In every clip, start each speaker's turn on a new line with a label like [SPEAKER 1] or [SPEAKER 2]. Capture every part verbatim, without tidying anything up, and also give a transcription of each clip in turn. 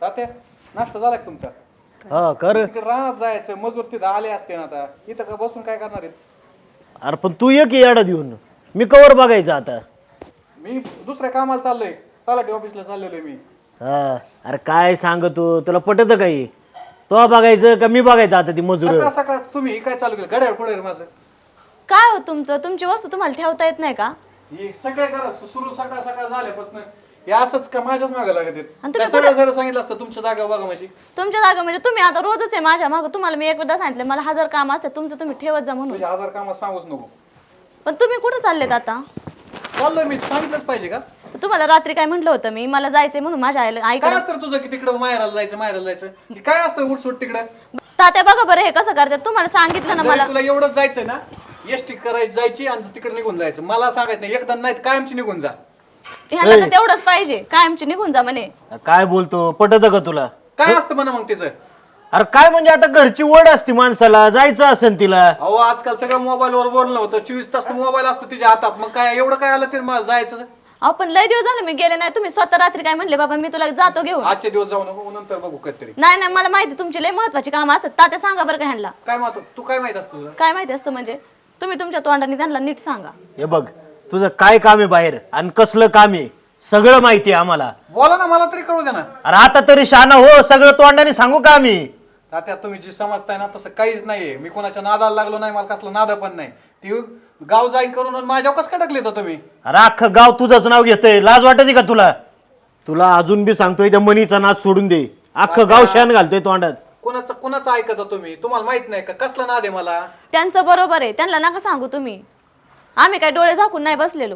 [SPEAKER 1] तात्या नाश्ता झाला का तुमचा?
[SPEAKER 2] हा कर.
[SPEAKER 1] तिकडे रानात जायचं, मजूर तिथं आले असते ना, आता इथं का बसून काय करणार आहेत?
[SPEAKER 2] अरे पण तू ये की येडा देऊन, मी कवर बघायचं आता.
[SPEAKER 1] मी दुसऱ्या कामाला चाललोय, तलाठी ऑफिसला चाललेलो मी.
[SPEAKER 2] हा अरे काय सांग तू, तुला पटत काही? तो बघायचं का मी बघायचं आता ती मजूर?
[SPEAKER 1] सकाळ सकाळ तुम्ही काय चालू केलं? घड्याळ पुढे माझं
[SPEAKER 3] काय हो तुमचं? तुमची वस्तू तुम्हाला ठेवता येत नाही का?
[SPEAKER 1] हे सगळे करा सुरू सकाळ सकाळ झाल्यापासून हे असंच का माझ्याच मागे लागत आहेत?
[SPEAKER 3] आणि
[SPEAKER 1] त्या
[SPEAKER 3] तुम्ही
[SPEAKER 1] सगळं जरा सांगितलं असतं तुमच्या जागा बघा माझी.
[SPEAKER 3] तुमच्या जागा म्हणजे तुम्ही आता रोजच आहे माझ्या मागं. तुम्हाला मी एकदा सांगितलं मला हजार काम असते, तुमचं तुम्ही ठेवत जा म्हणून.
[SPEAKER 1] तुझ्या हजार कामात सांगूच नको.
[SPEAKER 3] पण तुम्ही कुठं चाललेत आता?
[SPEAKER 1] चाललोय मी, सांगितलंच पाहिजे का?
[SPEAKER 3] तुम्हाला रात्री काय म्हटलं होतं मी, मला जायचंय म्हणून माझ्या आईला
[SPEAKER 1] काय
[SPEAKER 3] ऐकलं.
[SPEAKER 1] असतं रे तुझं की तिकडं माहेराला जायचं माहेराला जायचं? हे काय असतं उठसूट तिकडं?
[SPEAKER 3] तात्या बघा बरं हे कसं करतात. तुम्हाला सांगितलं ना
[SPEAKER 1] जर
[SPEAKER 3] मला.
[SPEAKER 1] तुला एवढंच जायचंय ना, एसटी करायची जायची आणि तिकडे निघून जायचं. मला सांगायचं नाही, एकदा नाही तर कायमची निघून जा.
[SPEAKER 3] ह्याला तर तेवढंच पाहिजे, कायमची निघून जा म्हणे.
[SPEAKER 2] काय बोलतो, पटत का तुला?
[SPEAKER 1] काय असतं म्हणा मग तिचं?
[SPEAKER 2] अरे काय म्हणजे आता घरची ओढ असते माणसाला, जायचं असेल तिला.
[SPEAKER 1] अहो आजकाल सगळं मोबाईल वर बोलणं होतं, चोवीस तास मोबाईल असतो तिच्या हातात. मग काय एवढं काय आलं ते मला जायचं?
[SPEAKER 3] आपण लय दिवस झाले मी गेले नाही. तुम्ही स्वतः रात्री काय म्हणले बाबा मी तुला जातो घेऊन.
[SPEAKER 1] आजचे दिवस जाऊ नको, नंतर बघू कधीतरी.
[SPEAKER 3] नाही नाही मला माहिती तुमची लय महत्वाची कामं असतात. तात्या सांगा बरं का ह्यांना.
[SPEAKER 1] काय माहित तू काय माहित असतं तुला?
[SPEAKER 3] काय माहिती असतं म्हणजे? तुम्ही तुमच्या तोंडाने त्यांना नीट सांगा.
[SPEAKER 2] हे बघ तुझं काय काम आहे बाहेर आणि कसलं काम आहे सगळं माहिती आहे आम्हाला.
[SPEAKER 1] बोला ना, मला तरी कळू द्या ना.
[SPEAKER 2] अरे आता तरी शहाणा हो, सगळं तोंडाने सांगू का आम्ही?
[SPEAKER 1] तात्या तुम्ही जी समजताय ना तसं काहीच नाहीये. मी कोणाच्या नादाला लागलो नाही, मला कसलं नाद पण नाही. ती गाव जाईन करून आणि माझ्यावर कसं काय टाकले तुम्ही?
[SPEAKER 2] अरे अख्खं गाव तुझंच नाव घेतंय, लाज वाटते का तुला? तुला अजून बी सांगतोय त्या मनीचा नाच सोडून दे. अख्खं गाव शान घालतोय तोंडात.
[SPEAKER 1] कोणाचं कोणाचं ऐकायचं तुम्ही? तुम्हाला माहित नाही का कसला नाद आहे मला?
[SPEAKER 3] त्यांचं बरोबर आहे, त्यांना नका सांगू तुम्ही. आम्ही काय डोळे झाकून नाही बसलेलो.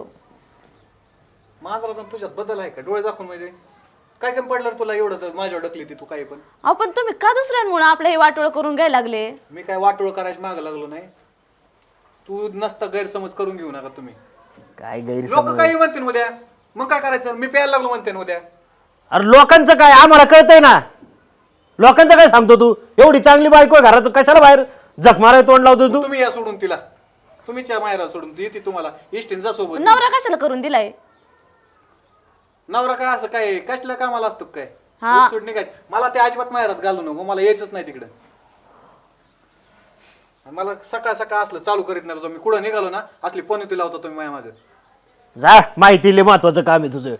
[SPEAKER 1] माझा पण तुझ्यात बदल आहे का? डोळे दाखवून म्हणजे काय काय पडलं रे तुला एवढं तर माझ्यावर ढकली ती तू काही पण?
[SPEAKER 3] अहो पण तुम्ही का दुसऱ्यांमुळे आपलं हे वाटोळ करून घ्यायला लागले?
[SPEAKER 1] मी काय वाटोळ करायची मागं लागलो नाही. तू नसता गैरसमज करून घेऊ नका तुम्ही.
[SPEAKER 2] काय
[SPEAKER 1] लोक
[SPEAKER 2] गैरसमज?
[SPEAKER 1] काही म्हणतील उद्या, मग काय करायचं? मी प्यायला लागलो म्हणते ना उद्या.
[SPEAKER 2] अरे लोकांचं काय आम्हाला कळतंय ना. लोकांचं काय सांगतो तू? एवढी चांगली बायको आहे घरात, कशाला बाहेर जख माराय तोंड लावतो तू?
[SPEAKER 1] तुम्ही या सोडून तिला, तुम्हीच या माहेराला सोडून ती येते तुम्हाला इष्टीन जा सोबत.
[SPEAKER 3] नवरा कशाला करून दिलाय?
[SPEAKER 1] नवरा काय असं काय कसल्या कामाला असतो काय?
[SPEAKER 3] हा.
[SPEAKER 1] सोडणे काय? मला ते अजिबात माहेरात घालू नको, मला यायचंच नाही तिकडं. मला सकाळ सकाळ असलं चालू करीत नाही तुझं. मी कुठं निघालो ना असली पणती लावतो तुम्ही माझ्या मागे.
[SPEAKER 2] जा, माहिती लय महत्वाचं काम आहे तुझं.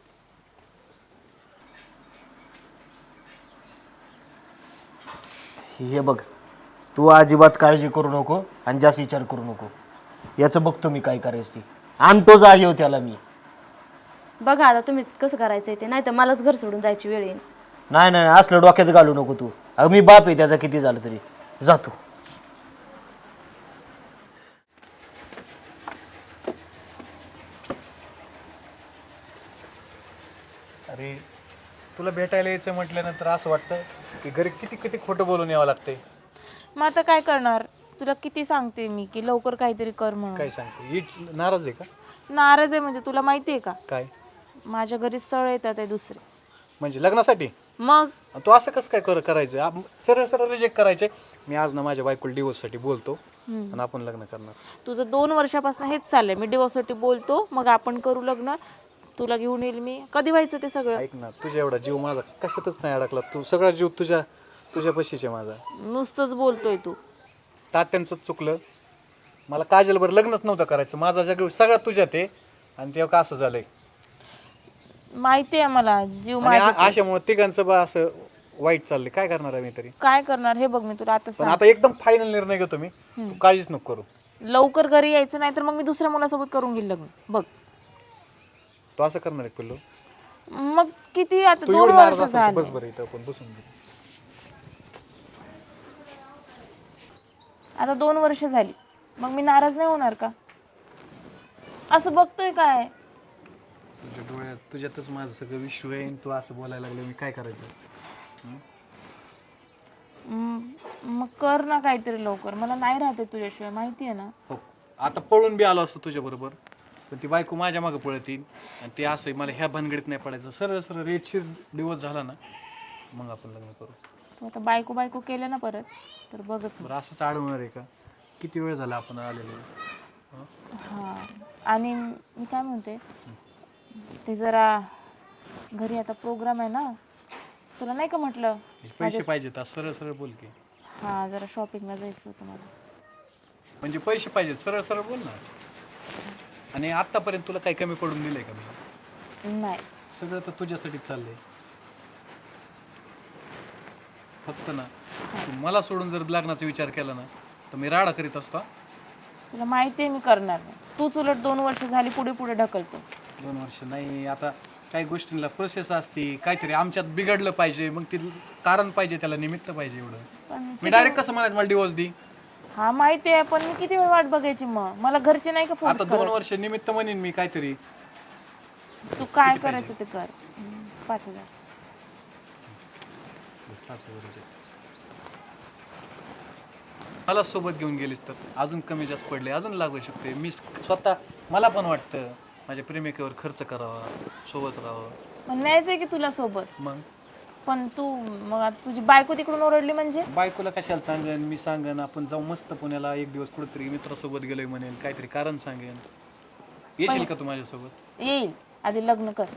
[SPEAKER 2] हे बघ तू अजिबात काळजी करू नको आणि जास्त विचार करू नको. याचं बघतो मी काय करायचं ती. आणतो जागेवर त्याला मी.
[SPEAKER 3] बघा आता तुम्ही कसं करायचंय ते, नाही तर मलाच घर सोडून जायची वेळ येईल.
[SPEAKER 2] नाही नाही असलं डोक्यात घालू नको तू. अगं मी बाप आहे त्याचा, किती झालं तरी. जातो.
[SPEAKER 1] अरे तुला भेटायला यायचं म्हटल्यानंतर असं वाटतं की घरी किती किती खोटं बोलून यावं लागतंय.
[SPEAKER 4] मग आता काय करणार? तुला किती सांगते मी की लवकर काहीतरी कर म्हणून.
[SPEAKER 1] काय सांगते? इट नाराज आहे का?
[SPEAKER 4] नाराज आहे म्हणजे तुला माहिती आहे का?
[SPEAKER 1] काय
[SPEAKER 4] माझ्या घरी स्थळ येतात आहे दुसरे.
[SPEAKER 1] म्हणजे लग्नासाठी?
[SPEAKER 4] मग
[SPEAKER 1] तू असं कसं काय कर करायचं? आप- सरळ सरळ रिजेक्ट करायचे. मी आज ना माझ्या बायकोला डिवोर्ससाठी बोलतो आणि आपण लग्न करणार.
[SPEAKER 4] तुझं दोन वर्षापासून हेच चाललंय. मी डिवोर्ससाठी बोलतो, मग आपण करू लग्न, तुला घेऊन येईल मी. कधी व्हायचं ते सगळं?
[SPEAKER 1] ऐक ना, तुझ्या एवढा जीव माझा कशातच नाही अडकला. तू सगळा जीव तुझ्या तुझ्या पशीचे माझा.
[SPEAKER 4] नुसतंच बोलतोय तू.
[SPEAKER 1] तात्यांचं चुकलं. मला काजलवर लग्नच नव्हतं करायचं. माझा जग सगळ्यात तुझ्यात आहे आणि तेव्हा का असं झालंय?
[SPEAKER 4] माहिती आहे मला. जीव
[SPEAKER 1] आणि
[SPEAKER 4] माझ्या
[SPEAKER 1] आ- अशामुळे तिघांचं बा असं वाईट चाललंय. काय करणार आहे मी तरी?
[SPEAKER 4] काय करणार हे बघ. मी तुला आता
[SPEAKER 1] पण
[SPEAKER 4] सांग,
[SPEAKER 1] आता एकदम फायनल निर्णय घेतो मी. तू काळजीच नको करू.
[SPEAKER 4] लवकर घरी यायचं नाही तर मग मी दुसऱ्या मुलासोबत करून घेईल लग्न. बघ
[SPEAKER 1] तू असं करणार आहे पिल्लू?
[SPEAKER 4] मग किती आता
[SPEAKER 1] तू
[SPEAKER 4] दोन
[SPEAKER 1] एवढी नाराज
[SPEAKER 4] वर्ष
[SPEAKER 1] असेल तर
[SPEAKER 4] झाली.
[SPEAKER 1] बस बरं इथं आपण बसून घेऊ.
[SPEAKER 4] आता दोन वर्ष झाली, मग मी नाराज नाही होणार का? असं बघतोय काय?
[SPEAKER 1] तुझ्या डोळ्यात तुझ्यातच माझं सगळं विश्व आहे. तू असं बोलायला लागलं, मी काय करायचं?
[SPEAKER 4] हम्म, मग कर ना काहीतरी लवकर. मला नाही राहते तुझ्याशिवाय, माहिती आहे ना.
[SPEAKER 1] हो, आता पळून बी आलो असतो तुझ्या बरोबर, पण ती बायको माझ्या मागे पळतील आणि ते असं मला ह्या भानगडीत नाही पडायचं. सरळ सरळ रेटशीर दिवस झाला ना मग आपण लग्न करू.
[SPEAKER 4] तू आता बायको बायको केलं ना परत तर बघच.
[SPEAKER 1] बरं असंच अडवणार आहे का? किती वेळ झाला आपण आलेलो?
[SPEAKER 4] हां, आणि मी काय म्हणते, ते जरा घरी आता प्रोग्राम आहे ना, तुला नाही का म्हटलं
[SPEAKER 1] पैसे पाहिजेत आज सरळ सरळ बोल की.
[SPEAKER 4] हा जरा शॉपिंगला जायचं होतं मला.
[SPEAKER 1] म्हणजे पैसे पाहिजेत सरळ सरळ बोल ना. आणि आतापर्यंत तुला काही कमी पडून दिलंय का मी?
[SPEAKER 4] नाही
[SPEAKER 1] सगळं तर तुझ्यासाठीच चाललंय. फक्त ना तू मला सोडून जर लग्नाचा विचार केला ना तर मी राडा करीत असतो.
[SPEAKER 4] तुला माहिती आहे मी करणार नाही. तूच उलट दोन वर्ष झाली पुढे पुढे ढकलतो.
[SPEAKER 1] दोन वर्ष नाही, आता काही गोष्टींना प्रोसेस असते, काहीतरी आमच्यात बिघडलं पाहिजे, मग ते कारण पाहिजे, त्याला निमित्त पाहिजे. एवढं
[SPEAKER 4] पण
[SPEAKER 1] मी डायरेक्ट कसं म्हणायचं मला डिवोर्स दे?
[SPEAKER 4] हा माहिती आहे, पण मी किती वेळ वाट बघायची मग? मला घरचे नाही का फोन?
[SPEAKER 1] आता दोन वर्ष निमित्त म्हणेन मी काहीतरी.
[SPEAKER 4] तू काय करायचं ते कर. हम्म, पाच हजार
[SPEAKER 1] मला सोबत घेऊन गेलीस तर अजून कमी जास्त पडले, अजून लागू शकते. मी स्वतः मला पण वाटतं माझ्या प्रेमिकेवर खर्च करावा, सोबत राहावं.
[SPEAKER 4] पण न्यायचंय की तुला सोबत.
[SPEAKER 1] मग
[SPEAKER 4] पण तू मग आता तुझी बायको तिकडून ओरडली म्हणजे?
[SPEAKER 1] बायकोला कशाला सांगेन मी? सांगेन आपण जाऊ मस्त पुण्याला एक दिवस कुठेतरी मित्रासोबत गेलोय म्हणेन, काहीतरी कारण सांगेन. येशील का तू माझ्यासोबत?
[SPEAKER 4] येईल, आधी लग्न कर.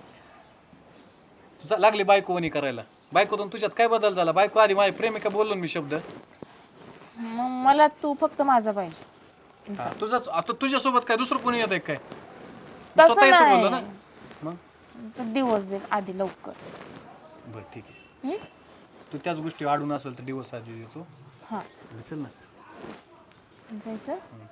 [SPEAKER 1] तुझा लागली बायको वणी करायला. बायकोतून तुझ्यात काय बदल झाला? बायको आधी माझी प्रेमिका बोललो मी शब्द.
[SPEAKER 4] मग मला तू फक्त माझा पाहिजे.
[SPEAKER 1] हा, तुझाच आता तुझ्यासोबत काय दुसरं कोणी येत आहे काय?
[SPEAKER 4] तसं
[SPEAKER 1] स्वतः येतो बोललो ना.
[SPEAKER 4] नाही.
[SPEAKER 1] मग
[SPEAKER 4] डिवोर्स दे आधी लवकर.
[SPEAKER 1] बरं ठीक आहे.
[SPEAKER 4] हम्म?
[SPEAKER 1] तू त्याच गोष्टी वाढून असेल तर दिवस आधी देतो.
[SPEAKER 4] हा
[SPEAKER 1] चल ना.
[SPEAKER 4] जायचं.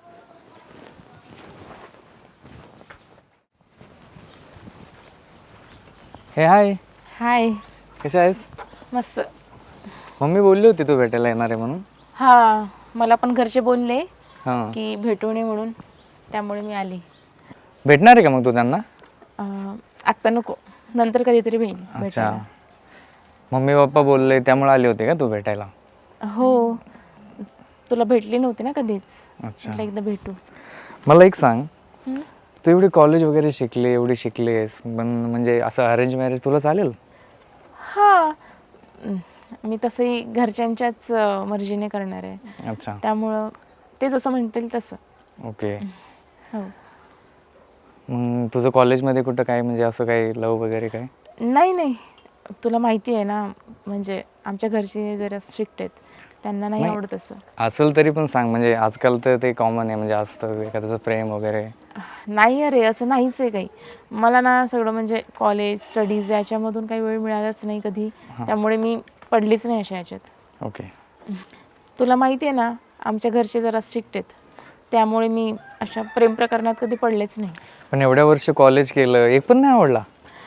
[SPEAKER 5] हे हाय,
[SPEAKER 4] हाय.
[SPEAKER 5] कशा आहेस?
[SPEAKER 4] मस्त.
[SPEAKER 5] मम्मी बोलली होती तू भेटायला येणार आहे म्हणून.
[SPEAKER 4] हा मला पण घरचे बोलले
[SPEAKER 5] हां,
[SPEAKER 4] की भेटून ये म्हणून, त्यामुळे मी आली.
[SPEAKER 5] भेटणार आहे का मग तू त्यांना?
[SPEAKER 4] अं, आत्ता नको, नंतर कधीतरी भेट
[SPEAKER 5] अच्छा, मम्मी पप्पा बोलले त्यामुळे आले होते का तू भेटायला?
[SPEAKER 4] हो, तुला भेटली नव्हती ना कधीच.
[SPEAKER 5] अच्छा,
[SPEAKER 4] म्हटलं एकदा भेटू.
[SPEAKER 5] मला एक सांग,
[SPEAKER 4] हम्म?
[SPEAKER 5] तू एवढी कॉलेज वगैरे शिकली, एवढी शिकलीस, पण म्हणजे असं अरेंज मॅरेज तुला चालेल?
[SPEAKER 4] हा अं, मी तसंही घरच्यांच्याच अं, मर्जीने करणार आहे.
[SPEAKER 5] अच्छा,
[SPEAKER 4] त्यामुळं ते जसं म्हणतील तसं.
[SPEAKER 5] ओके.
[SPEAKER 4] हो.
[SPEAKER 5] मग तुझं कॉलेजमध्ये कुठं काय म्हणजे असं काही लव वगैरे काय?
[SPEAKER 4] नाही नाही, तुला माहिती आहे ना, म्हणजे आमच्या घरचे जरा स्ट्रिक्ट आहेत, त्यांना नाही
[SPEAKER 5] नाही.
[SPEAKER 4] आवडत असं.
[SPEAKER 5] असेल तरी पण सांग, म्हणजे आजकाल तर ते कॉमन आहे, म्हणजे असतं एखाद्याचं प्रेम वगैरे.
[SPEAKER 4] नाही अरे, असं नाहीच आहे काही. मला ना सगळं म्हणजे कॉलेज स्टडीज याच्यामधून काही वेळ मिळालाच नाही कधी, त्यामुळे मी पडलीच नाही अशा ह्याच्यात.
[SPEAKER 5] ओके.
[SPEAKER 4] तुला माहिती आहे ना, आमच्या घरचे जरा स्ट्रिक्ट आहेत, त्यामुळे मी अशा प्रेम प्रकरणात कधी पडलेच नाही.
[SPEAKER 5] पण एवढ्या वर्ष कॉलेज केलं, एक पण नाही आवडला?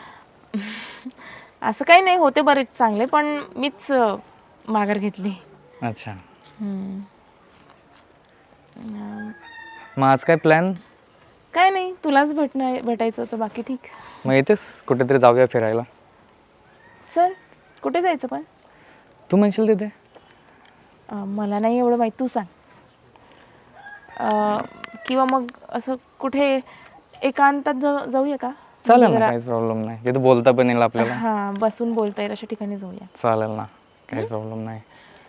[SPEAKER 4] असं काही नाही, होते बरेच चांगले, पण मीच अं, माघार घेतली.
[SPEAKER 5] अच्छा,
[SPEAKER 4] हम्म. अं,
[SPEAKER 5] मग आज काय प्लॅन?
[SPEAKER 4] काय नाही, तुलाच भेटणं भेटायचं होतं, बाकी ठीक.
[SPEAKER 5] मग येतेस कुठेतरी जाऊया फिरायला?
[SPEAKER 4] चल, कुठे जायचं पण?
[SPEAKER 5] तू म्हणशील तिथे.
[SPEAKER 4] अं, मला नाही एवढं माहीत, तू सांग. अं, किंवा मग असं कुठे एकांतात जा- जाऊया का?
[SPEAKER 5] चालेल
[SPEAKER 4] म्हणजे
[SPEAKER 5] ना,
[SPEAKER 4] जरा-
[SPEAKER 5] काहीच प्रॉब्लेम नाही. तिथे बोलता पण येईल आपल्याला.
[SPEAKER 4] हा, बसून बोलता येईल अशा ठिकाणी जाऊया.
[SPEAKER 5] चालेल ना, काहीच प्रॉब्लेम नाही.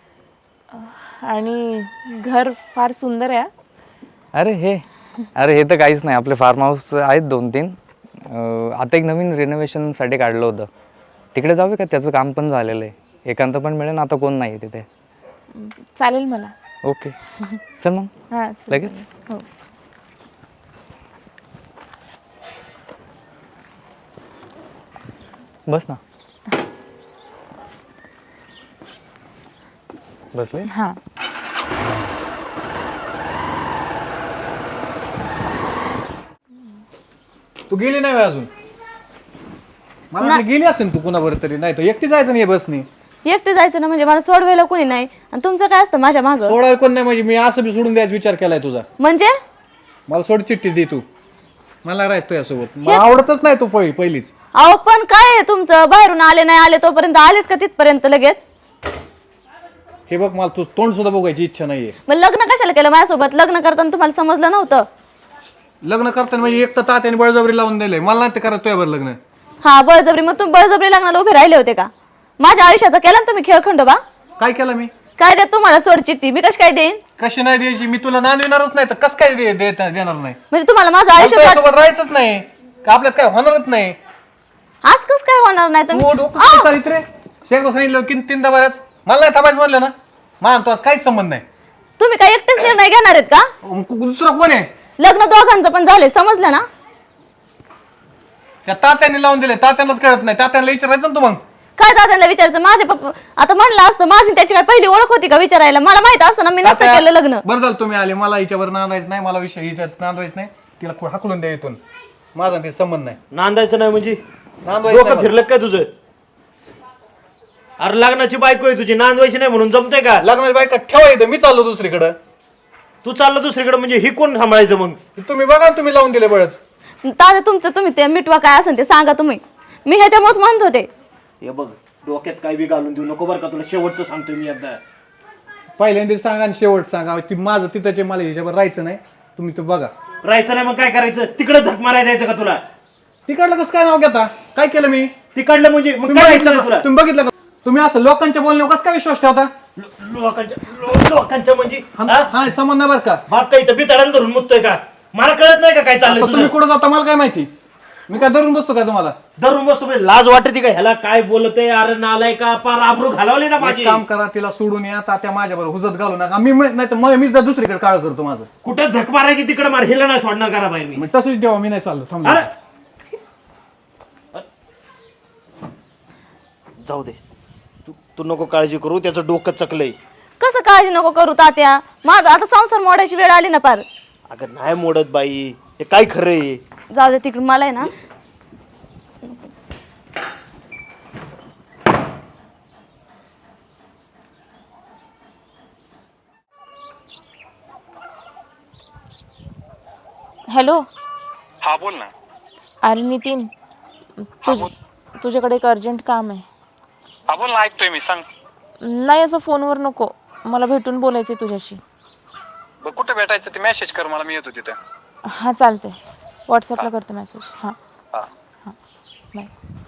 [SPEAKER 4] आणि घर फार सुंदर आहे.
[SPEAKER 5] अरे हे अरे हे तर काहीच नाही, आपले फार्म हाऊस आहेत दोन तीन. अं, आता एक नवीन रिनोव्हेशनसाठी काढलं होतं, तिकडे जाऊया का? त्याचं काम पण झालेलं आहे, एकांत पण मिळेल. आता कोण नाही तिथे.
[SPEAKER 4] चालेल मला.
[SPEAKER 5] ओके, चल मग.
[SPEAKER 4] हां
[SPEAKER 5] लगेच?
[SPEAKER 4] हो.
[SPEAKER 5] बस ना. बसले?
[SPEAKER 4] हां.
[SPEAKER 1] तू गेली नाही अजून? मला वाटलं गेली असेल तू कुणाबरोबर तरी. नाही तर एकटी जायचं नाही बसनी.
[SPEAKER 3] एकटे जायचं ना, म्हणजे मला सोडवायला कोणी नाही, आणि तुमचं काय असतं माझ्या मागं?
[SPEAKER 1] सोडायला कोण नाही म्हणजे मी असं बी सोडून द्यायचा विचार केलाय तुझा.
[SPEAKER 3] म्हणजे
[SPEAKER 1] मला सोड चिठ्ठी दे तू, मला राहायचं तुझ्यासोबत. मला आवडतच नाही तू पहिली पहिलीच.
[SPEAKER 3] अहो पण काय आहे तुमचं, बाहेरून आले नाही आले तोपर्यंत आलेच का तिथपर्यंत लगेच?
[SPEAKER 1] हे बघ, मला तू तोंड सुद्धा बघायची इच्छा नाहीये.
[SPEAKER 3] मग लग्न कशाला केलं माझ्यासोबत? लग्न करताना तुम्हाला समजलं नव्हतं?
[SPEAKER 1] लग्न करताना म्हणजे एक तर तात्याने बळजबरी लावून दिलंय, मला नाही ते करत तुझ्यावर लग्न.
[SPEAKER 3] हा, बळजबरी. मग तुम्ही बळजबरी लग्नाला उभे राहिले होते का? माझ्या आयुष्याचा केला ना तुम्ही खेळखंड बा.
[SPEAKER 1] काय केलं मी?
[SPEAKER 3] काय देत तुम्हाला सोड चिठ्ठी? मी कशी काय देईन?
[SPEAKER 1] कशी नाही द्यायची? मी तुला नांदविणारच नाही तर कस काय दे- देता- देणार नाही?
[SPEAKER 3] म्हणजे तुम्हाला माझं आयुष्य
[SPEAKER 1] तुझ्यासोबत राहायचंच नाही का? आपल्यात काय होणारच नाही.
[SPEAKER 3] आज कस काय होणार नाही?
[SPEAKER 1] तू
[SPEAKER 3] तुम्ही
[SPEAKER 1] डोकं काय चालित रे? शेखदा सांगितलं की तीनदा बऱ्याच मला नाही थांबायचं म्हणलं ना मानतो आज काहीच संबंध नाही.
[SPEAKER 3] तुम्ही काय एकटेच निर्णय घेणार आहेत का?
[SPEAKER 1] मग कु- दुसरं कोण आहे?
[SPEAKER 3] लग्न दोघांचं पण झाले, समजलं ना?
[SPEAKER 1] त्या तात्यांनी लावून दिले, तात्यांनाच कळत नाही. तात्यांना विचारायचं ना तू मग.
[SPEAKER 3] काय दादांना विचारायचं? माझे पप्पा आता म्हणलं असतं, माझी त्याची काय पहिली ओळख होती का विचारायला? मला माहित असतं ना, मी नसतं
[SPEAKER 1] तात्या,
[SPEAKER 3] केलं लग्न.
[SPEAKER 1] बरं झालं तुम्ही आले. मला हिच्यावर नांदायचं नाही, मला विषय हिच्यात नांदवायचं नाही. तिला खु- हाकलून द्या इथून. माझा ते संबंध नाही.
[SPEAKER 2] नांदायचं नाही म्हणजे
[SPEAKER 1] नांदवायचं
[SPEAKER 2] डोकं
[SPEAKER 1] नाही
[SPEAKER 2] फिरलं काय तुझं? अरे लग्नाची बायको आहे तुझी, नांदवायची नाही म्हणून जमतंय का?
[SPEAKER 1] मला. लग्नाची बायका ठेवा इथं, मी चाललो दुसरीकडं.
[SPEAKER 2] तू चालला दुसरीकडे म्हणजे ही कोण सांभाळायचं मग?
[SPEAKER 1] तुम्ही बघा ना, तुम्ही लावून दिले बळच.
[SPEAKER 3] दादा तुमचं तुम्ही ते मिटवा, काय असेल ते सांगा तुम्ही. मी ह्याच्यामुळेच म्हणत होते.
[SPEAKER 2] हे बघ डोक्यात काय बी घालून देऊ नको बरं का, तुला शेवटचं सांगतोय मी एकदा.
[SPEAKER 1] पहिल्यांदा सांगा आणि शेवट सांगा. ती माझं तिथंचे मला हिच्यावर राहायचं नाही. तुम्ही तो बघा.
[SPEAKER 2] राहायचं नाही मग काय करायचं? तिकडे झक मारायला जायचं का तुला?
[SPEAKER 1] तिकडलं कसं काय नाव घेता? काय केलं मी?
[SPEAKER 2] तिकडलं म्हणजे मग
[SPEAKER 1] तुम्ही
[SPEAKER 2] काय
[SPEAKER 1] बघितलं
[SPEAKER 2] करायचं
[SPEAKER 1] का?
[SPEAKER 2] तुला?
[SPEAKER 1] तुम्ही बघितलं का? तुम्ही असं लोकांच्या बोलण्यावर कसं काय विश्वास ठेवता?
[SPEAKER 2] लो- लोकांच्या लो- लोकांच्या म्हणजे
[SPEAKER 1] हा हा, संबंध नाही बरं का.
[SPEAKER 2] बाप काही तब्येत अडायला धरून मुततोय का? मला कळत नाही का काय चाललंय
[SPEAKER 1] आता तुम्ही
[SPEAKER 2] तुझं?
[SPEAKER 1] कुठं जाता मला काय माहिती? मी काय धरून बसतो काय तुम्हाला?
[SPEAKER 2] धरून बसतो म्हणजे लाज वाटते का? ह्याला काय बोलतय? अरे नालाय का? पार आबरू घालवली ना माझी.
[SPEAKER 1] एक काम करा, तिला सोडून या. तात्या माझ्याबरोबर हुजत घालू नका. मी नाही तर मग मी जर दुसरीकडे काळ करतो माझं.
[SPEAKER 2] कुठं झक मारायची तिकडे मार, हिला नाही सोडणार करा बाहेर मी.
[SPEAKER 1] मग तसंच जेव्हा मी नाही चाललो थांबलो.
[SPEAKER 2] अरे जाऊ दे, तू तू नको काळजी करू, त्याचं डोकं चकलंय.
[SPEAKER 3] कसं काळजी नको करू तात्या? माझा आता संसार मोडायची वेळ आली ना पार.
[SPEAKER 2] अगं नाही मोडत बाई, हे काय खरंय?
[SPEAKER 3] जाऊ दे तिकडून. मला आहे ना
[SPEAKER 4] हॅलो.
[SPEAKER 6] हा बोल ना.
[SPEAKER 4] अरे नितीन, तुझ तुझ्याकडे एक अर्जंट काम आहे.
[SPEAKER 6] हा बोल ना, ऐकतोय मी, सांग.
[SPEAKER 4] नाही असं फोनवर नको, मला भेटून बोलायचं आहे तुझ्याशी.
[SPEAKER 6] बरं कुठं भेटायचं ते मेसेज कर मला, मी येतो तिथं.
[SPEAKER 4] हां चालतंय, व्हॉट्सअपला करते मेसेज. हां
[SPEAKER 6] हा
[SPEAKER 4] हां बाय.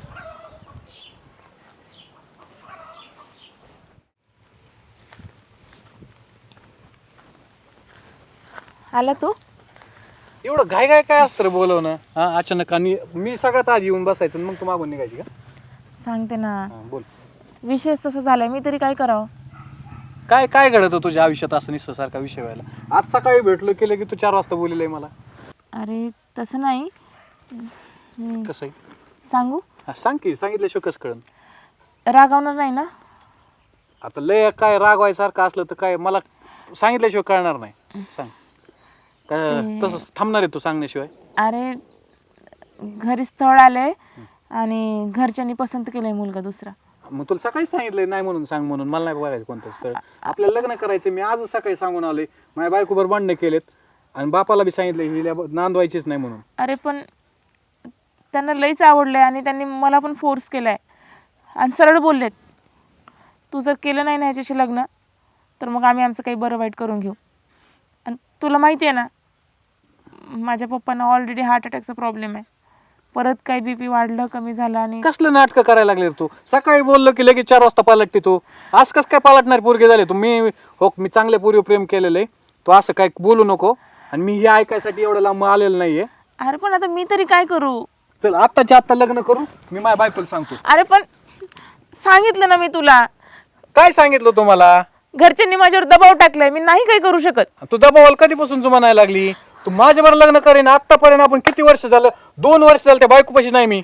[SPEAKER 4] आला तू?
[SPEAKER 1] एवढं घाय घाय काय असतं रे बोलवणं? हा अचानक. आणि मी सगळ्यात आधी येऊन बसायचं आणि मग तू मागून निघायची का?
[SPEAKER 4] सांगते ना,
[SPEAKER 1] हा, बोल.
[SPEAKER 4] विषयच तसं झालाय, मी तरी काय करावं?
[SPEAKER 1] काय काय घडतं तुझ्या आयुष्यात असं निस्सारखा विषय व्हायला? आज सकाळी भेटलो केलं की तू चार वाजता बोललेलं आहे मला.
[SPEAKER 4] अरे तसं नाही.
[SPEAKER 1] कसं आहे?
[SPEAKER 4] सांगू?
[SPEAKER 1] हा, सांग की. सांगितल्याशिवाय कसं कळन?
[SPEAKER 4] रागावणार नाही ना?
[SPEAKER 1] आता लय काय रागवायसारखं असलं तर काय मला सांगितल्याशिवाय कळणार नाही. सांग काय तसं थांबणार आहे तू सांगण्याशिवाय?
[SPEAKER 4] अरे घरी स्थळ आलंय आणि घरच्यांनी पसंत केलंय मुलगा दुसरा.
[SPEAKER 1] मग तुला सकाळीच सांगितलंय नाही म्हणून सांग म्हणून. मला नाही बघायचं कोणतं स्थळ. आपल्याला लग्न करायचं. मी आजच सकाळी सांगून आलोय. माझ्या बायकोबर भांडणं केलेत आणि बापाला बी सांगितलंय हिला नांदवायचीच नाही म्हणून.
[SPEAKER 4] अरे पण त्यांना लईच आवडलंय आणि त्यांनी मला पण फोर्स केलाय आणि सरळ बोललेत, तू जर केलं नाही ना ह्याच्याशी लग्न तर मग आम्ही आमचं काही बरं वाईट करून घेऊ. आणि तुला माहिती आहे ना, माझ्या पप्पांना ऑलरेडी हार्ट अटॅकचा प्रॉब्लेम आहे. परत काही बीपी वाढलं, कमी झालं. आणि
[SPEAKER 1] कसलं नाटकं करायला लागले रे तू? सकाळी बोललो की लगेच चार वाजता पालटते तू. आज कसं काय पालटणार पोरगे झाले तू? मी हो मी चांगल्या पोरीवर प्रेम केलेलं आहे. तू असं काय बोलू नको. आणि मी हे ऐकायसाठी एवढं लांब आलेलं नाहीये.
[SPEAKER 4] अरे पण आता मी तरी काय करू?
[SPEAKER 1] चल आत्ताच्या आत्ता लग्न करू. मी माझ्या बायकोला सांगतो.
[SPEAKER 4] अरे पण सांगितलं ना मी तुला,
[SPEAKER 1] काय सांगितलं तुम्हाला?
[SPEAKER 4] घरच्यांनी माझ्यावर दबाव टाकलाय, मी नाही काही करू शकत.
[SPEAKER 1] तू दबावाला कधीपासून जुमानायला लागली? तू माझ्यावर लग्न करेन. आतापर्यंत आपण किती वर्ष झालं? दोन वर्ष झालं त्या बायकोपाशी नाही मी.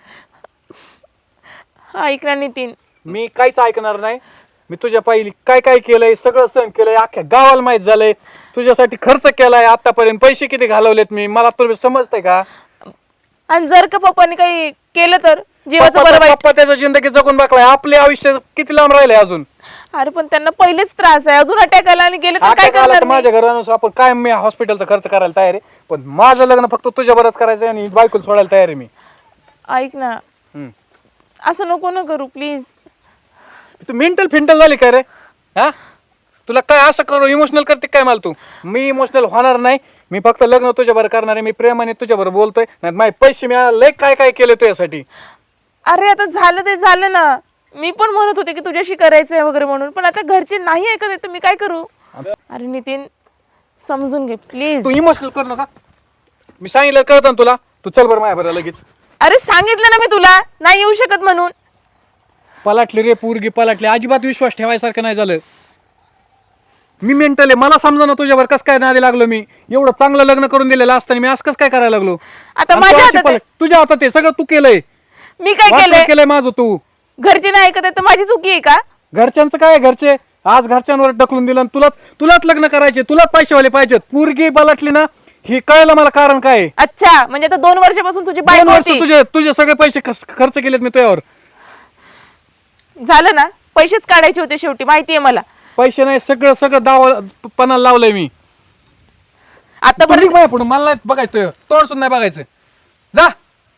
[SPEAKER 4] ऐक ना नितीन,
[SPEAKER 1] मी काहीच ऐकणार नाही. मी तुझ्या पहिली काय काय केलंय सगळं सहन केलंय. अख्ख्या गावाला माहित झालंय. तुझ्यासाठी खर्च केलाय आतापर्यंत. पैसे किती घालवलेत मी, मला तुला समजतंय का?
[SPEAKER 4] आणि जर का पप्पाने काही केलं तर जीवाचं बरं वाईट.
[SPEAKER 1] पप्पा त्याचं जिंदगी जगून बघलाय. आपले आयुष्य किती लांब राहिले अजून?
[SPEAKER 4] अरे पण त्यांना पहिलेच त्रास आहे, अजून अटॅक आला आणि गेले तर काय
[SPEAKER 1] अटॅक आला
[SPEAKER 4] करणार
[SPEAKER 1] तर
[SPEAKER 4] मी?
[SPEAKER 1] माझ्या घरानुसार आपण काय मी हॉस्पिटलचा खर्च करायला तयार आहे. पण माझं लग्न फक्त तुझ्या बरोबर करायचं आणि बायकोला सोडायला तयार आहे मी.
[SPEAKER 4] ऐक ना,
[SPEAKER 1] हम्म.
[SPEAKER 4] असं नको ना करू प्लीज.
[SPEAKER 1] तू मेंटल फिंटल झाली काय रे? हा तुला काय असं करू इमोशनल करते काय मला तू? मी इमोशनल होणार नाही. मी फक्त लग्न तुझ्या बरोबर करणार आहे. मी प्रेमाने तुझ्या बरोबर बोलतोय. नाही माझे पैसे मिळाले लय काय काय केले तुझ्यासाठी.
[SPEAKER 4] अरे आता झालं ते झालं ना. मी पण म्हणत होते की तुझ्याशी करायचंय वगैरे म्हणून, पण आता घरचे नाही ऐकत आहे तर मी काय करू? अरे नितीन समजून घे प्लीज.
[SPEAKER 1] तू इमोशनल करू नका. मी सांगितलं कळतं ना तुला. तू चल बरं माझ्या बरं लगेच.
[SPEAKER 4] अरे सांगितलं ना मी तुला नाही येऊ शकत म्हणून.
[SPEAKER 1] पलाटली रे पोरगी पलाटली, अजिबात विश्वास ठेवायसारखं नाही झालं. मी मेंटल आहे, मला समजा ना तुझ्यावर कसं काय नादी लागलो. मी एवढं चांगलं लग्न करून दिलेलं असताना मी असं कसं काय करायला लागलो.
[SPEAKER 4] आता
[SPEAKER 1] आणि
[SPEAKER 4] माझ्या
[SPEAKER 1] तू अशी
[SPEAKER 4] हातात आहे.
[SPEAKER 1] पलट- तुझ्या हातात आहे सगळं, तू केलंय.
[SPEAKER 4] मी काय
[SPEAKER 1] वाटोळं
[SPEAKER 4] केलंय?
[SPEAKER 1] केलंय माझं तू.
[SPEAKER 4] घरचे नाही ऐकत आहे तर माझी चुकी आहे का?
[SPEAKER 1] घरच्यांचं काय आहे, घरचे आज घरच्यांवर ढकलून दिलं आणि तुलाच तुलाच लग्न करायचे, तुलाच पैसेवाले पाहिजेत. पोरगी पलटली ना, हे कळलं मला कारण काय आहे.
[SPEAKER 4] अच्छा, म्हणजे आता दोन वर्षापासून तुझी
[SPEAKER 1] दोन
[SPEAKER 4] बायको
[SPEAKER 1] वर्ष
[SPEAKER 4] होती.
[SPEAKER 1] तुझे तुझे सगळे पैसे खर्च खर्च केलेत मी तुझ्यावर.
[SPEAKER 4] झालं ना, पैसेच काढायचे होते शेवटी, माहितीये मला.
[SPEAKER 1] पैसे नाही, सगळं सगळं दावा पणाला लावलंय मी.
[SPEAKER 4] आता
[SPEAKER 1] तू निघ
[SPEAKER 4] बरं
[SPEAKER 1] माझ्या पुढं, मला नाही बघायचं तुझं. तोंड सुद्धा नाही बघायचं. जा.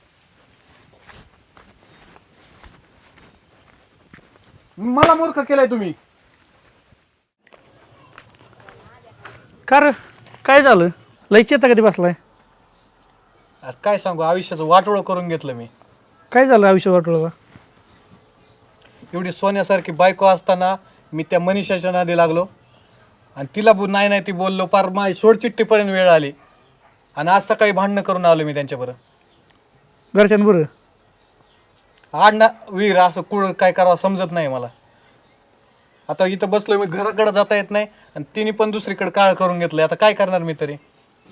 [SPEAKER 1] मला मूर्ख केलंय तुम्ही.
[SPEAKER 7] कार काय झालं? लयच येता कधी बसलाय?
[SPEAKER 1] अरे काय सांगू, आयुष्याचं वाटोळं करून घेतलं मी.
[SPEAKER 7] काय झालं आयुष्य वाटलं?
[SPEAKER 1] एवढी सोन्यासारखी बायको असताना मी त्या मनीषाच्या नादी लागलो आणि तिला बो- नाही नाही ती बोललो, पार माझी सोडचिट्टीपर्यंत वेळ आली आणि आज सकाळी भांडणं करून आलो मी त्यांच्याबरोबर.
[SPEAKER 7] घरच्यांबरोबर?
[SPEAKER 1] आड ना वीर असं कुळ काय करावं समजत नाही मला. आता इथं बसलोय मी, घराकडे जाता येत नाही आणि तिने पण दुसरीकडे काळ करून घेतलंय. आता काय करणार मी तरी.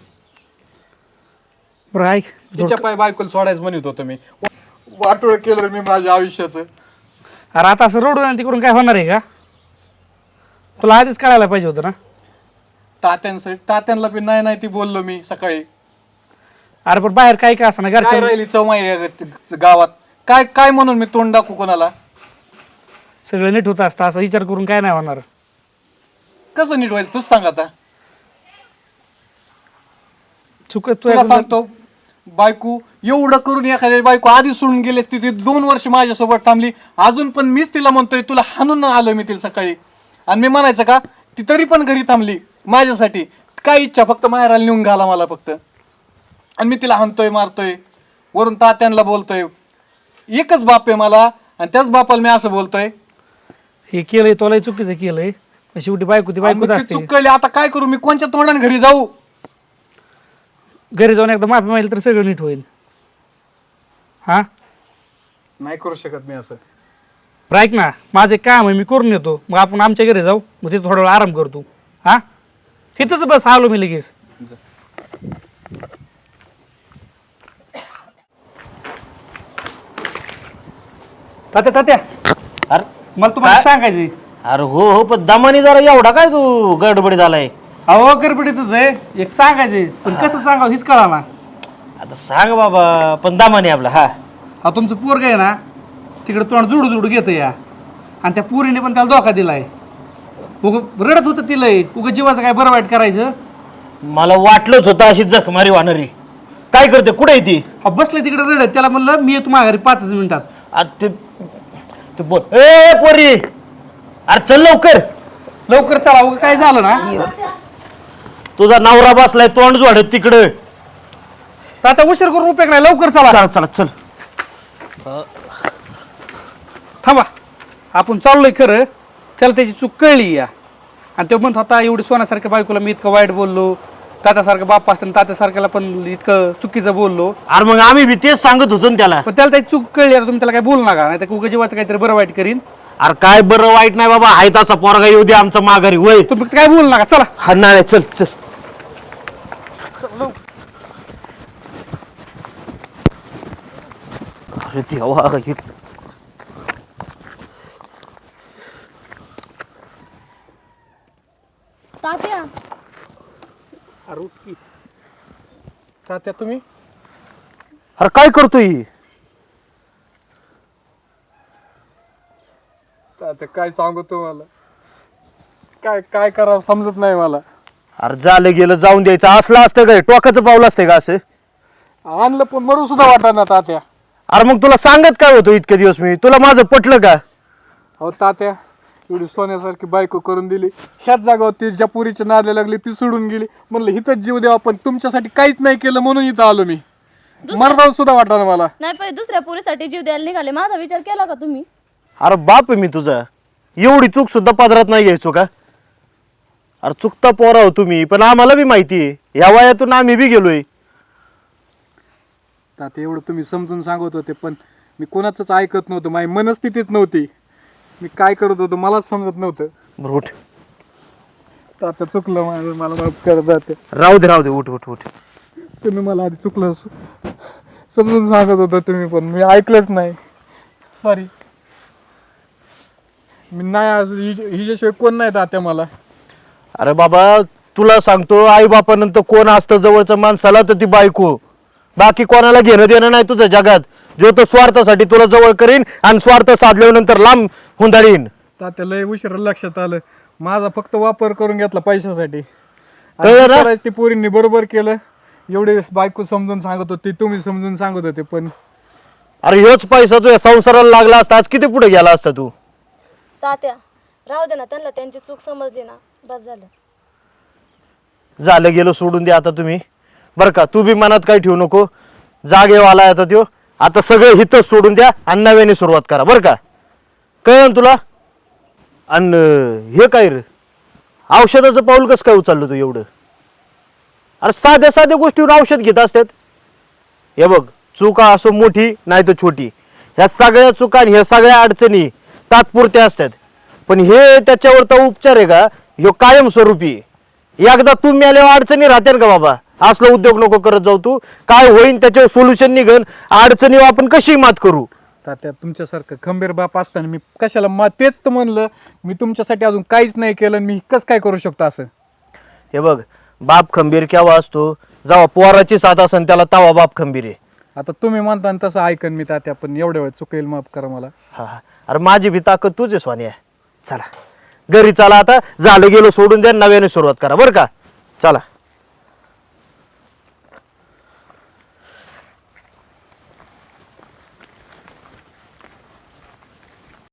[SPEAKER 7] बरं ऐक,
[SPEAKER 1] तिच्या पाय बायकोला सोडायचं म्हणत होतो मी. वाटोळ केलं मी माझ्या आयुष्याचं.
[SPEAKER 7] अरे आता असं रोड तिकडून काय होणार आहे का? तुला आधीच कळायला पाहिजे होतं ना.
[SPEAKER 1] तात्यांचं तात्यांना पण नाही नाही ती बोललो मी सकाळी.
[SPEAKER 7] अरे पण बाहेर काय काय असं ना
[SPEAKER 1] काय
[SPEAKER 7] घरच्या
[SPEAKER 1] राहिली चौमाई या गावात, काय काय म्हणून मी तोंड दाखवू कोणाला.
[SPEAKER 7] सगळं नीट होत असतं, असा विचार करून काय नाही होणार.
[SPEAKER 1] कसं नीट व्हायचं तूच सांग आता.
[SPEAKER 7] चुक तू
[SPEAKER 1] तुला सांगतो, बायको एवढं करून एखाद्या बायको आधी सोडून गेली असती, ती दोन वर्ष माझ्यासोबत थांबली, अजून पण मीच तिला म्हणतोय तुला हाणून आलो मी तिला सकाळी. आणि मी म्हणायचं का, ती तरी पण घरी थांबली माझ्यासाठी. काय इच्छा, फक्त माहेराला नेऊन घाला मला फक्त. आणि मी तिला हाणतोय मारतोय, वरून तात्यांना बोलतोय. एकच बाप आहे मला आणि त्याच बापाला मी असं बोलतोय.
[SPEAKER 7] हे केलंय तुला चुकीचं केलंय, पण शेवटी बायको ती
[SPEAKER 1] आणि मग
[SPEAKER 7] बायकोच
[SPEAKER 1] ती
[SPEAKER 7] असते.
[SPEAKER 1] चूक कळली, आता काय करू मी, कोणत्या तोंडाने घरी जाऊ.
[SPEAKER 7] घरी जाऊन एकदा माफी मागितली तर सगळं नीट होईल. हा
[SPEAKER 1] नाही करू शकत मी असं.
[SPEAKER 7] बरं ऐक ना, माझं एक काम आहे, मी करून येतो, मग आपण आमच्या घरी जाऊ, मग तिथे थोडा वेळ आराम करतो. हा तिथंच बस, आलो मी लगेच. तात्या तात्या
[SPEAKER 2] अरे
[SPEAKER 7] मला तुम्हाला सांगायचंय.
[SPEAKER 2] अरे हो हो, पण दमानी जरा एवढा काय तू गडबडी झालाय?
[SPEAKER 7] अहो गडबडीतच आहे, एक सांगायचंय पण कसं सांगावं हीच कळा ना.
[SPEAKER 2] आता सांग बाबा, पण दमानी आपला. हा
[SPEAKER 7] हा तुमचं पोरग आहे ना, तिकडे तोंड जुडू जुडू घेतं या, आणि त्या पोरीने पण त्याला धोका दिलाय. उग रडत होतं तिला, उग जीवाचं काय बरं वाईट करायचं.
[SPEAKER 2] मला वाटलंच होतं अशी जखमारी वाहणारी. काय करते, कुठे आहे ती?
[SPEAKER 7] हा बसले तिकडे रडत, त्याला म्हणलं मी येतो माघारी पाचच मिनिटात.
[SPEAKER 2] अरे ते ते बोल, ए पोरी, अरे चल लवकर.
[SPEAKER 7] लवकर चला, उग काय झालं ना.
[SPEAKER 2] तुझा नवरा बसलाय तोंड जोडत तिकडं.
[SPEAKER 7] तर आता उशीर करून उपयोग नाही, लवकर चला.
[SPEAKER 2] चला चला चल.
[SPEAKER 7] थांबा, आपण चाललोय खरं, त्याला त्याची चूक कळली या, आणि तो म्हणत होता एवढी सोन्यासारख्या बायकोला मी इतकं वाईट बोललो, तात्यासारखं बाप असताना तात्यासारख्याला पण इतकं चुकीचं बोललो.
[SPEAKER 2] अरे मग आम्ही बी तेच सांगत होतो ना त्याला.
[SPEAKER 7] पण त्याला त्याची चूक कळली, आता तुम्ही त्याला काय बोलू नका, नाही तर उगा जीवाचं काहीतरी बरं वाईट करीन.
[SPEAKER 2] अरे काय बरं वाईट नाही बाबा, आहे तसा पोरगा येऊ दे आमचा माघारी. वय
[SPEAKER 7] तुम्ही फक्त काय बोलू नका, चला.
[SPEAKER 2] हा नाळे, चल चल. अरे देवा, हे
[SPEAKER 3] तात्या
[SPEAKER 1] अरे उठ की. तात्या तुम्ही
[SPEAKER 2] अरे काय करतोय?
[SPEAKER 1] तात्या काय सांगू तुम्हाला, काय काय करावं समजत नाही मला.
[SPEAKER 2] अरे झालं गेलं, जाऊन द्यायचं असलं असतं काय? टोकाचं पाऊल असतंय का असं?
[SPEAKER 1] आणलं पण मरू सुद्धा वाटत ना तात्या.
[SPEAKER 2] अरे मग तुला सांगत काय होतो इतके दिवस मी? तुला माझं पटलं का?
[SPEAKER 1] अहो तात्या, एवढी सोन्यासारखी बायको करून दिली, ह्याच जागावर ती ज्या पुरीच्या नादला लागली ती सोडून गेली. म्हणलं हिथंच जीव द्यावा, पण तुमच्यासाठी काहीच नाही केलं म्हणून इथं आलो मी. मरणावर सुद्धा वाटत मला.
[SPEAKER 3] नाही पाहिजे दुसऱ्या पुरीसाठी जीव द्यायला निघाले, माझा विचार केला का तुम्ही?
[SPEAKER 2] अरे बाप आहे मी तुझा, एवढी चूक सुद्धा पदरात नाही घ्यायचो का? अरे चुकता पोरा हो तुम्ही, पण आम्हाला बी माहिती आहे, या वयातून आम्ही बी गेलोय.
[SPEAKER 1] तात्या एवढं तुम्ही समजून सांगत होते, पण मी कोणाचंच ऐकत नव्हतं, माझी मनस्थितीच नव्हती. मी काय करत होतो मलाच समजत नव्हतं.
[SPEAKER 2] बरं उठ.
[SPEAKER 1] आता चुकलं माझं, मला माफ करत जाते.
[SPEAKER 2] राहू दे राहू दे उठ उठ उठ.
[SPEAKER 1] तुम्ही मला आधी चुकलं स- समजून सांगत होतं तुम्ही, पण मी ऐकलंच नाही. सॉरी. मी नाही आज हिच्या- हिच्याशिवाय कोण नाही तात्या मला.
[SPEAKER 2] अरे बाबा तुला सांगतो, आई बापानंतर कोण असतं जवळचं माणसाला तर ती बायको. बाकी कोणाला घेणं देणं नाही तुझ्या जगात. जो तो स्वार्थासाठी तुला जवळ करीन आणि स्वार्थ साधल्यानंतर लांब हुंदाळीन.
[SPEAKER 1] तात्या लय उशीर लक्षात आलं. माझा फक्त वापर करून घेतला पैशासाठी.
[SPEAKER 2] कळलं
[SPEAKER 1] आणि
[SPEAKER 2] ना?
[SPEAKER 1] करायचं ते पोरींनी बरोबर केलं. एवढे बायको समजून सांगत होती, तुम्ही समजून सांगत होते, पण
[SPEAKER 2] अरे ह्योच पैसा तुझ्या संसाराला लागला असता आज किती पुढे गेला असता तू.
[SPEAKER 3] तात्या राहू दे ना, त्यांना त्यांची चूक समजली ना, बस झालं.
[SPEAKER 2] झालं गेलं सोडून दे आता तुम्ही. बरं का तू बी मनात काही ठेवू नको. जागेवाला आता त्यो. आता सगळं हितच सोडून द्या आणि नव्याने सुरुवात करा बरं का. कळलं ना तुला. आणि हे काय रे औषधाचं पाऊल कसं काय उचललं तू एवढं. अरे साध्या साध्या गोष्टीवर औषध घेत असतात. हे बघ चुका असो मोठी नाही तर छोटी, ह्या सगळ्या चुका आणि ह्या सगळ्या अडचणी तात्पुरत्या असतात. पण हे त्याच्यावर तर उपचार आहे का, ह्यो कायमस्वरूपी आहे. एकदा तू मेल्यावर अडचणी राहते का बाबा. असलं उद्योग नको करत जाऊ तू. काय होईन त्याच्यावर सोल्युशन निघन. अडचणीवर आपण कशी मात करू.
[SPEAKER 1] तात्या तुमच्यासारखं खंबीर बाप असताना मी कशाला मा तेच तर म्हणलं. मी तुमच्यासाठी अजून काहीच नाही केलं, मी कसं काय करू शकतो असं.
[SPEAKER 2] हे बघ बाप खंबीर केव्हा असतो, जेव्हा पोराची साथ असन त्याला तवा बाप खंबीर आहे.
[SPEAKER 1] आता तुम्ही म्हणता ना तसं ऐकन मी तात्या, पण एवढ्या वेळ चुकेल माफ करा मला.
[SPEAKER 2] हा हा. अरे माझी भी ताकद तुझी स्वानी आहे. चला घरी चला आता. झालं गेलो सोडून द्या, नव्याने सुरुवात करा बरं का. चला.